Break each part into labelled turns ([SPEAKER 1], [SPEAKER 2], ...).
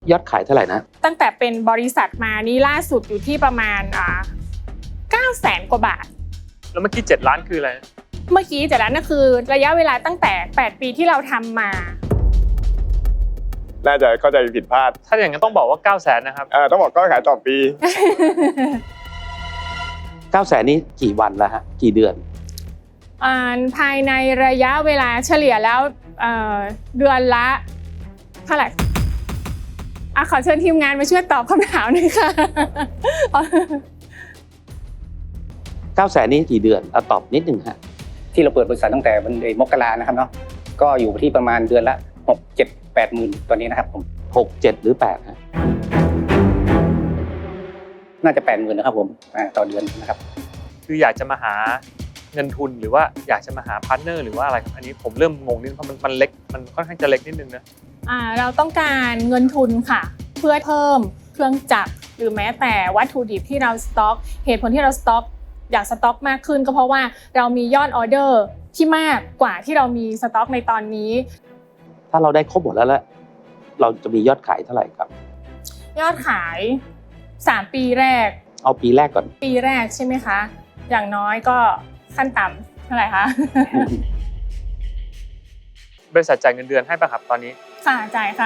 [SPEAKER 1] ยอดขายเท่าไหร่นะ
[SPEAKER 2] ตั้งแต่เป็นบริษัทมานี่ล่าสุดอยู่ที่ประมาณ900,000 กว่าบาท
[SPEAKER 3] แล้วเมื่อกี้7 ล้านคืออะไร
[SPEAKER 2] เมื่อกี้7 ล้านนั่นคือระยะเวลาตั้งแต่8 ปีที่เราทำมา
[SPEAKER 4] น่าจะเข้าใจผิดพลาด
[SPEAKER 3] ถ้าอย่างนั้นต้องบอกว่า900,000นะครับ
[SPEAKER 4] ต้องบอกก็ขายต่อปี
[SPEAKER 1] 900,000นี้กี่วันแล้วฮะกี่เดือน
[SPEAKER 2] ภายในระยะเวลาเฉลี่ยแล้วเดือนละเท่าไหร่ขอเชิญทีมงานมาช่วยตอบคำถามหน่อยค่ะ
[SPEAKER 1] 900,000นี้กี่เดือนตอบนิดนึงฮะ
[SPEAKER 5] ที่เราเปิดบริษัทตั้งแต่วันมกรานะครับเนาะก็อยู่ที่ประมาณเดือนละ6-7-8 หมื่นตัวนี้นะครับผม
[SPEAKER 1] 6-7 หรือ8ฮะ
[SPEAKER 5] น่าจะ8 หมื่นนะครับผมต่อเดือนนะครับ
[SPEAKER 3] คืออยากจะมาหาเงินทุนหรือว่าอยากจะมาหาพาร์ทเนอร์หรือว่าอะไรครับอันนี้ผมเริ่มงงนิดเพราะมันเล็กมันค่อนข้างจะเล็กนิดนึงนะ
[SPEAKER 2] เราต้องการเงินทุนค่ะเพื่อเพิ่มเครื่องจักรหรือแม้แต่วัตถุดิบที่เราสต็อกเหตุผลที่เราสต็อกอยากสต็อกมากขึ้นก็เพราะว่าเรามียอดออเดอร์ที่มากกว่าที่เรามีสต็อกในตอนนี้
[SPEAKER 1] ถ้าเราได้ครบหมดแล้วเราจะมียอดขายเท่าไหร่ครับ
[SPEAKER 2] ยอดขาย3 ปีแรก
[SPEAKER 1] เอาปีแรกก่อน
[SPEAKER 2] ปีแรกใช่ไหมคะอย่างน้อยก็ขั้นต่ำเท่าไหร่คะ
[SPEAKER 3] บริษัทจ่ายเงินเดือนให้ป่ะครับตอนนี้
[SPEAKER 2] ค่ะจ่ายค่ะ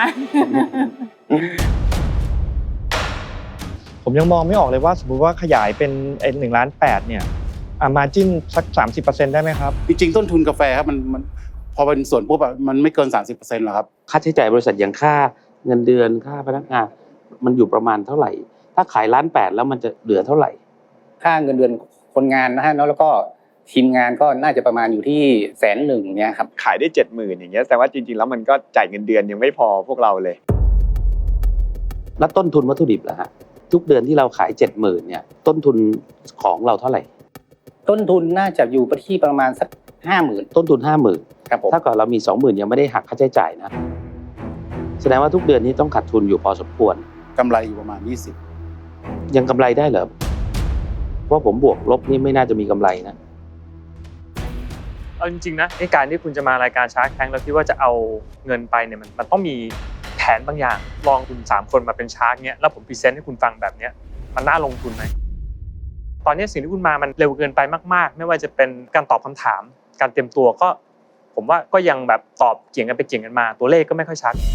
[SPEAKER 6] ผมยังมองไม่ออกเลยว่าสมมุติว่าขยายเป็น1.8 ล้านเนี่ยmargin สัก 30% ได้ไหมครับ
[SPEAKER 4] จริงๆต้นทุนกาแฟครับมันพอเป็นส่วนปุ๊บมันไม่เกิน 30% หรอกครับ
[SPEAKER 1] ค่าใช้จ่ายบริษัทอย่างค่าเงินเดือนค่าพนักงานมันอยู่ประมาณเท่าไหร่ถ้าขาย1.8 ล้านแล้วมันจะเหลือเท่าไหร่
[SPEAKER 5] ค่าเงินเดือนคนงานนะฮะแล้วก็ทีมงานก็น่าจะประมาณอยู่ที่100,000เนี่ยครับ
[SPEAKER 4] ขายได้ 70,000 อย่างเงี้ยแต่ว่าจริงๆแล้วมันก็จ่ายเงินเดือนยังไม่พอพวกเราเลย
[SPEAKER 1] แล้วต้นทุนวัตถุดิบล่ะฮะทุกเดือนที่เราขาย 70,000 เนี่ยต้นทุนของเราเท่าไหร่
[SPEAKER 5] ต้นทุนน่าจะอยู่ที่ประมาณสัก 50,000
[SPEAKER 1] ต้นทุน 50,000
[SPEAKER 5] ครับผม
[SPEAKER 1] ถ้าเกิดเรามี 20,000 ยังไม่ได้หักค่าใช้จ่ายนะแสดงว่าทุกเดือนนี้ต้องขาดทุนอยู่พอสมควร
[SPEAKER 4] กำไรอยู่ประมาณ20
[SPEAKER 1] ยังกำไรได้เหรอเพราะผมบวกลบนี่ไม่น่าจะมีกำไรนะ
[SPEAKER 3] เอาจริงๆนะการที่คุณจะมารายการชาร์คแทงค์แล้วคิดว่าจะเอาเงินไปเนี่ยมันต้องมีแผนบางอย่างลองคุณ3 คนมาเป็นชาร์คเนี่ยแล้วผมพรีเซนต์ให้คุณฟังแบบเนี้ยมันน่าลงทุนไหมตอนนี้สิ่งที่คุณมามันเร็วเกินไปมากๆไม่ว่าจะเป็นการตอบคำถามการเตรียมตัวก็ผมว่าก็ยังแบบตอบเกี่ยงกันไปเกี่ยงกันมาตัวเลขก็ไม่ค่อยชัด